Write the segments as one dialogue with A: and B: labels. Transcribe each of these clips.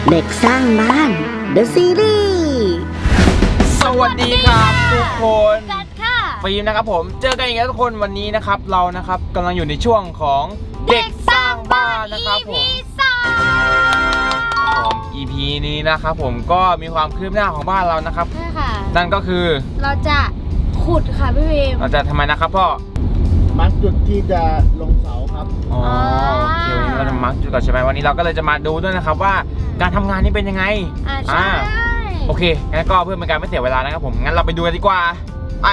A: เด็กสร้างบ้าน The Series
B: สวัสดีครับทุกคน
C: กันค่ะ
B: ฟิล์มนะครับผมเจอกันอีกแล้วทุกคนวันนี้นะครับเรานะครับกำลังอยู่ในช่วงของเด็กสร้างบ้านนะครับผม EP นี้นะครับผมก็มีความคืบหน้าของบ้านเรานะครับ
C: ใช่ค่ะ
B: นั่นก็คือ
C: เราจะขุดค่ะพี่พิม
B: เราจะทำไมนะครับพ่อ
D: มาร์กจุดที่จะลงเสาครับ
B: อ๋อโอเควันนี้เราจะมาร์คจุดก่อนใช่ไหมวันนี้เราก็เลยจะมาดูด้วยนะครับว่าการทำงานนี้เป็นยังไง
C: ใช่
B: โอเคงั้นก็เพื่อเป็นการไม่เสียเวลานะครับผมงั้นเราไปดูกันดีกว่าไป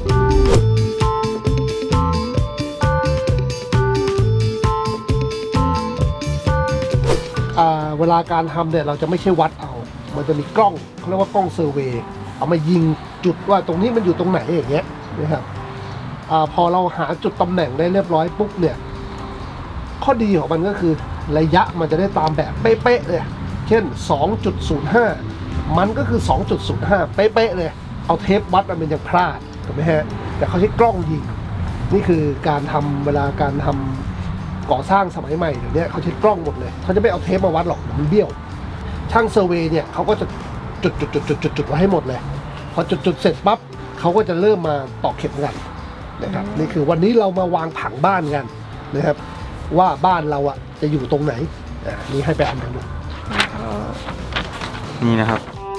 D: เวลาการทำเนี่ยเราจะไม่ใช่วัดเอา มันจะมีกล้องเขาเรียกว่ากล้องเซอร์เวย์เอามายิงจุดว่าตรงนี้มันอยู่ตรงไหนอย่างเงี้ยนะครับพอเราหาจุดตำแหน่งได้เรียบร้อยปุ๊บเนี่ยข้อดีของมันก็คือระยะมันจะได้ตามแบบเป๊ะๆเลยเช่น 2.05 มันก็คือ 2.05 เป๊ะๆเลยเอาเทปวัดมันยังพลาดถูกไหมฮะแต่เขาใช้กล้องยิงนี่คือการทำเวลาการทำก่อสร้างสมัยใหม่เดี๋ยวนี้เขาใช้กล้องหมดเลยเขาจะไม่เอาเทปมาวัดหรอกมันเบี้ยวช่างเซอร์เวย์เนี่ยเขาก็จะจุดไว้ให้หมดเลยพอจุดเสร็จปั๊บเขาก็จะเริ่มมาตอกเข็มกันนะครับนี่คือวันนี้เรามาวางผังบ้านกันนะครับว่าบ้านเราอ่ะจะอยู่ตรงไหนนี่ให้ไปอ่านกันดู
B: นี่นะครับ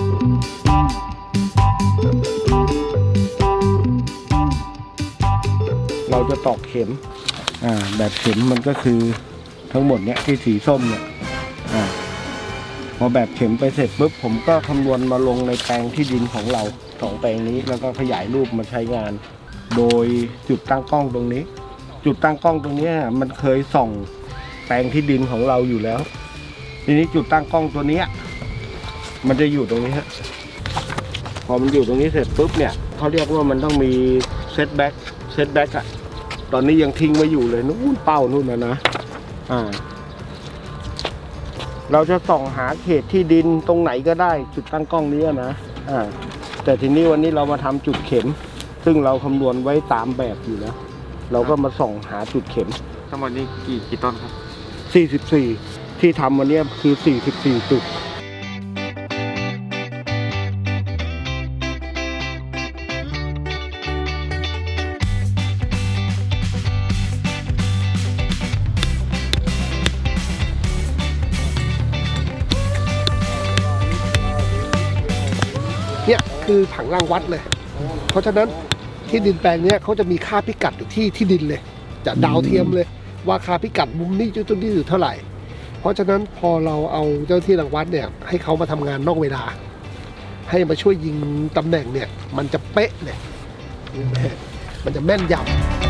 D: เราจะตอกเข็มแบบเข็มมันก็คือทั้งหมดเนี้ยที่สีส้มเนี่ยพอแบบเข็มไปเสร็จปุ๊บผมก็คำนวณมาลงในแปลงที่ดินของเรา2แปลงนี้แล้วก็ขยายรูปมาใช้งาน โดยจุดตั้งกล้องตรงนี้ จุดตั้งกล้องตรงนี้มันเคยส่องแปลงที่ดินของเราอยู่แล้วทีนี้จุดตั้งกล้องตัวนี้มันจะอยู่ตรงนี้ฮะพอมันอยู่ตรงนี้เสร็จปุ๊บเนี่ยเขาเรียกว่ามันต้องมีเซตแบ็กอะตอนนี้ยังทิ้งไว้อยู่เลยนู่นเป้านู่นนะเราจะส่องหาเขตที่ดินตรงไหนก็ได้จุดตั้งกล้องนี้นะแต่ทีนี้วันนี้เรามาทำจุดเข็มซึ่งเราคำนวณไว้ตามแบบอยู่แล้วเราก็มาส่องหาจุดเข็ม
B: ทั้งหมดนี้กี่ต้นครับ
D: 44ที่ทำวันนี้คือ44จุดเนี่ยคือผังรางวัดเลยเพราะฉะนั้นที่ดินแปลงนี้เขาจะมีค่าพิกัดอยู่ที่ดินเลยจะดาวเทียมเลยว่าค่าพิกัดมุมนี้จุดนี้อยู่เท่าไหร่เพราะฉะนั้นพอเราเอาเจ้าที่รางวัดเนี่ยให้เขามาทำงานนอกเวลาให้มาช่วยยิงตำแหน่งเนี่ยมันจะเป๊ะเลยมันจะแม่นยำ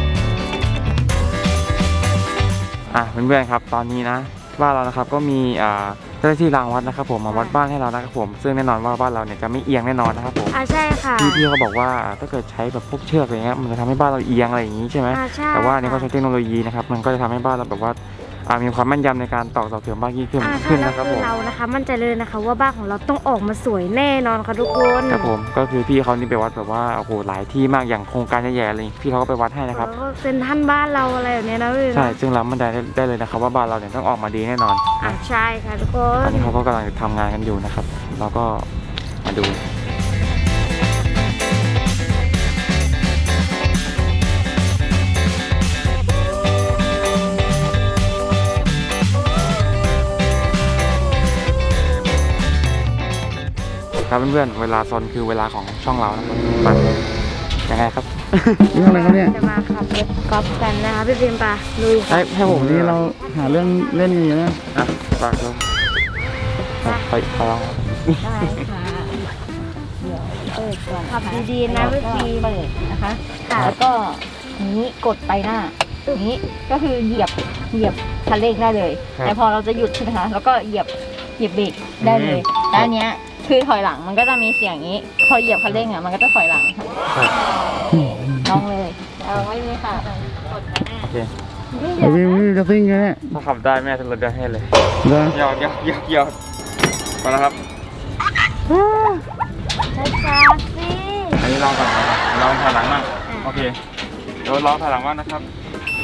B: เพื่อนๆครับตอนนี้นะบ้านเรานะครับก็มีเจ้าหน้าที่รางวัดนะครับผมมาวัดบ้านให้เรานะครับผมซึ่งแน่นอนว่าบ้านเราเนี่ยจะไม่เอียงแน่นอนนะครับผม
C: ใช่ค่ะ
B: พี่เขาบอกว่าถ้าเกิดใช้แบบพวกเชือกอะไรเงี้ยมันจะทำให้บ้านเราเอียงอะไรอย่างงี้ใช่ไหม
C: ใช่
B: แต่ว่านี่เขาใช้เทคโนโลยีนะครับมันก็จะทำให้บ้านเราแบบว่ามีความแม่นยำในการตอกเสาเข็มบ้านยิ่งขึ้นนะครับผม
C: เรานะคะมั่นใจเลยนะคะว่าบ้านของเราต้องออกมาสวยแน่นอนค่ะทุกคน
B: ครับผมก็คือพี่เขานี่ไปวัดแบบว่าโอ้โหหลายที่มากอย่างโครงการใหญ่ๆเลยพี่เขาก็ไปวัดให้นะครับ
C: แล้วก็เป็นท่านบ้านเราอะไรแบบนี้นะพี่
B: ใช่ซึ่งเรามั่นใจได้เลยนะครับว่าบ้านเราเนี่ยต้องออกมาดีแน่นอนนะ
C: ใช่ค่ะทุกค
B: ตอน นนี้เขาก็กำลังทำงานกันอยู่นะครับเราก็มาดูครับเพื่อนๆเวลาซนคือเวลาของช่องเรานะครับไปยังไงครับ
E: เรื่องอะไรครับเนี่ย
C: จะมาขับรถกอล์ฟกันนะคะพี่พิมพ์ปะลุยค่ะ
B: ให้ผม
E: วันนี้เราหาเรื่องเล่นกันอยู่นะ
B: ฝากด้วยไปลอง
F: ได้ค่ะ เดี๋ยวเปิดก่อน
C: ขับดีๆนะพี่พิมพ์
F: เปิดนะคะ แล้วก็นี้กดไปหน้านี้ก็คือเหยียบคันเร่งได้เลย แต่พอเราจะหยุดใช่ไหมคะแล้วก็เหยียบเบรกได้เลยแล้วอันเนี้ยคือถอยหลังมันก็จะมีเสียงอย่างนี้ พอเหยียบคันเร่งอ่ะมันก็จะถอยหลังค่ะลองเลยเอาไว้เลยค่ะกดไปหน้า
B: โอเค
E: ไอ้วิวจะซิ่งไงเนี่ย
B: ถ้าขับได้แม่จะลดได้ให้เลย
E: เหรอ
B: หยอกมาแล้วครับ
C: ช้าๆสิ
B: อันนี้ลองก่อนลองถอยหลังบ้างโอเคเดี๋ยวลองถอยหลังบ้างนะครับ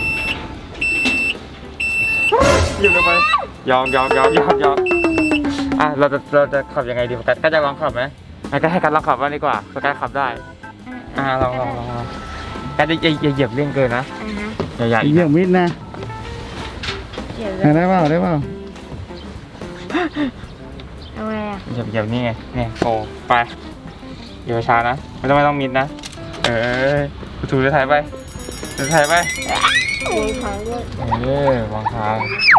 B: หยุดลงไปยอมอ่ะเราจะขับยังไงดีโฟกัสก็จะลองขับไหมก็ให้กันลองขับบ้างดีกว่าโฟกัสขับได้ลองกันจะเหยียบเร่งเกินนะอย่า
E: เหยียบมิดนะ
C: เดี๋ยว
E: ได้เปล่าได้เปล่า
C: ทำไมอ่ะ
B: เหยียบนี่ไงเนี่ยโอ้ไปอย่าช้านะไม่ต้องมิดนะถูเรือไทยไปเรือไทยไป
C: เลี้ยงเขาด้วย
B: วางทาง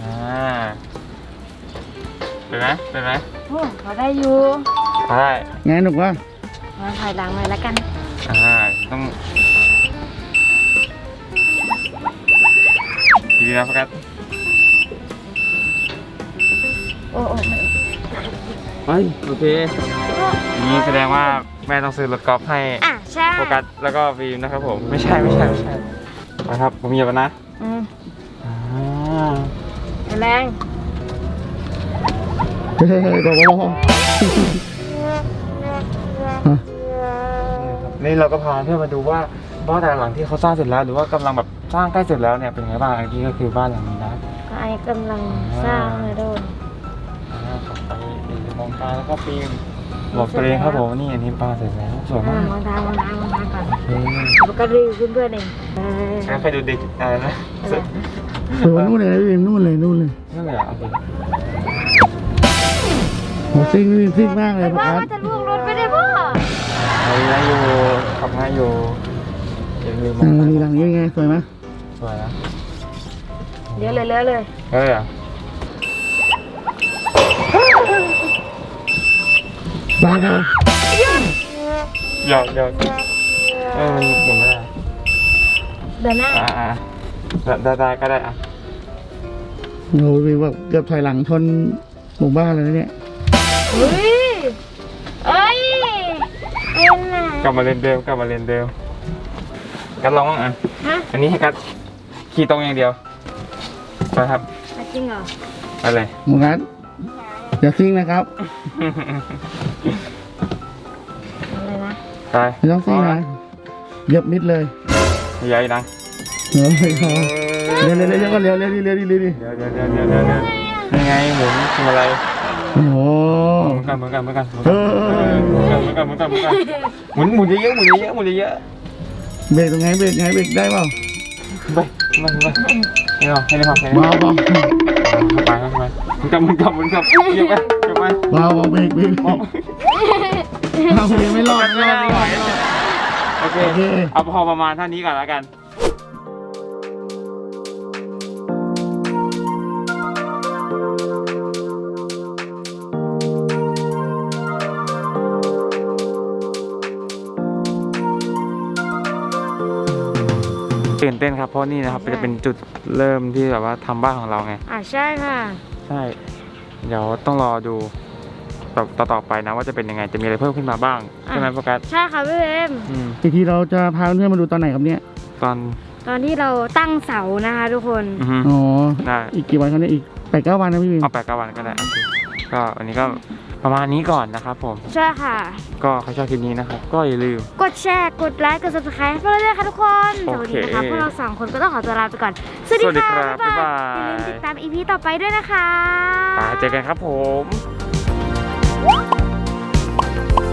B: เป็นไหม
C: โอ้เขาได้อยู่
B: ได้
E: ไงหนุกวะ
C: มาถอยหลังหน่อยแล้วกัน
B: ต้องดีนะโฟกัส
C: โอ้ไม่
B: เฮ้ยโอเคนี่แสดงว่าแม่ต้องซื้อรถกอล์ฟให้
C: ใช่
B: โฟกัสแล้วก็ฟิล์มนะครับผมไม่ใช่นะครับผมเหยียบนะ
C: แรง
E: เฮ้ยบอก
B: นี่เราก็พาเพื่อนมาดูว่าบ้านแต่ละหลังที่เขาสร้างเสร็จแล้วหรือว่ากำลังแบบสร้างใกล้เสร็จแล้วเนี่ยเป็นไงบ้างอันนี้ก็คือบ้านหลังนี้นะ
C: ก็ไอ้กำลังสร้างเลยโดน
B: ขับไปมองตาแล้วก็ฟิล์มบอกตัวเองครับผมนี่อันนี้บ้านเสร็จแล้วสวยมาก
C: วางทางก่อน
B: โอเค
C: แล้วก็รีวิวเพื่อนๆเอง
B: งั้นใครดูเด็กอะไรนะ
E: เออนู่นเลยพี่นู่นเลย
B: นั่นเลยโอเค
E: โหซิ่งพี่ซิ่งมากเลย
C: ว่า
E: ครับ
C: ว่าจะล่วงรถไม่ได้พ่อ
B: ง่ายอยู่ขับง่ายอยู่อย่าลืมม
E: นี่หลังนี้ไงสวยไหม
B: สวยนะ
C: เลี้ยวเลย
B: เฮ้ยอ่ะ
E: บ้าครับ
B: หยอกมันหมุนไม่ได้
C: เดินหน้า
B: ได้ก็ได้อ่ะ
E: โอ้โหพี่ว่าเกือบถอยหลังชนหมู่บ้านเลยนะเนี่ย
C: เฮ้ยเอ้ยเป็นไง
B: กลับมาเรียนเดิมกันลองบ้างอ่ะ
C: ฮะ
B: อันนี้ให้กัดขี่ตรงอย่างเดียวไปครับ
C: จริงเหรอ
B: ไปเลย
E: หมู่นัดอย่าซิ่งนะครับ
C: อะไรนะ
B: ไป
E: ไม่ต้องซิ่งนะเหยียบมิดเลย
B: ใหญ่ดัง
E: เฮ้ยเขาเร็วก็เร็วดิ
B: เดี๋ยวยังไงหมุนทำอะไร
E: โอ้โห
B: เหมือนกันหมุนเยอะ
E: เบรกตรงไงเบรกได้เปล่า
B: ไปให้เราให้
E: เบา
B: ไปหมุนกลับเยอะไป
E: เบาเบรกเรายังไม่รอด
B: โอเคเอาพอประมาณเท่านี้ก่อนแล้วกันตื่นเต้นครับเพราะนี่นะครับจะเป็นจุดเริ่มที่แบบว่าทำบ้านของเราไง
C: ใช่ค่ะ
B: ใช่เดี๋ยวต้องรอดูต่อไปนะว่าจะเป็นยังไงจะมีอะไรเพิ่มขึ้นมาบ้างใช่ไหมโฟกัส
C: ใช่ค่ะพี่เอ็ม
E: อีกทีเราจะพาเพื่อนมาดูตอนไหนครับเนี่ย
C: ตอนที่เราตั้งเสานะคะทุกคน
E: อ๋อ
B: ได้
E: อีกกี่วันครับเนี่ยอีก8-9 วันนะพี่วิน
B: เอา8-9 วันก็ได้โอเคก็วันนี้ก็ประมาณนี้ก่อนนะครับผม
C: ใช่ค่ะ
B: ก็ใครชอบคลิปนี้นะครับก็อย่าลืม
C: กดแชร์ กดไลค์ กด subscribe ให้เราด้วยค่ะทุกคน
B: โอ
C: สวัส
B: เค
C: ดีนะคะพวกเรา2 คนก็ต้องขอตัวลาไปก่อน สวัสดี
B: สวัสดี
C: ค่ะ
B: ครับบ๊ายบาย
C: อย่าลืมติดตาม EP ต่อไปด้วยนะคะ
B: เจอกันครับผม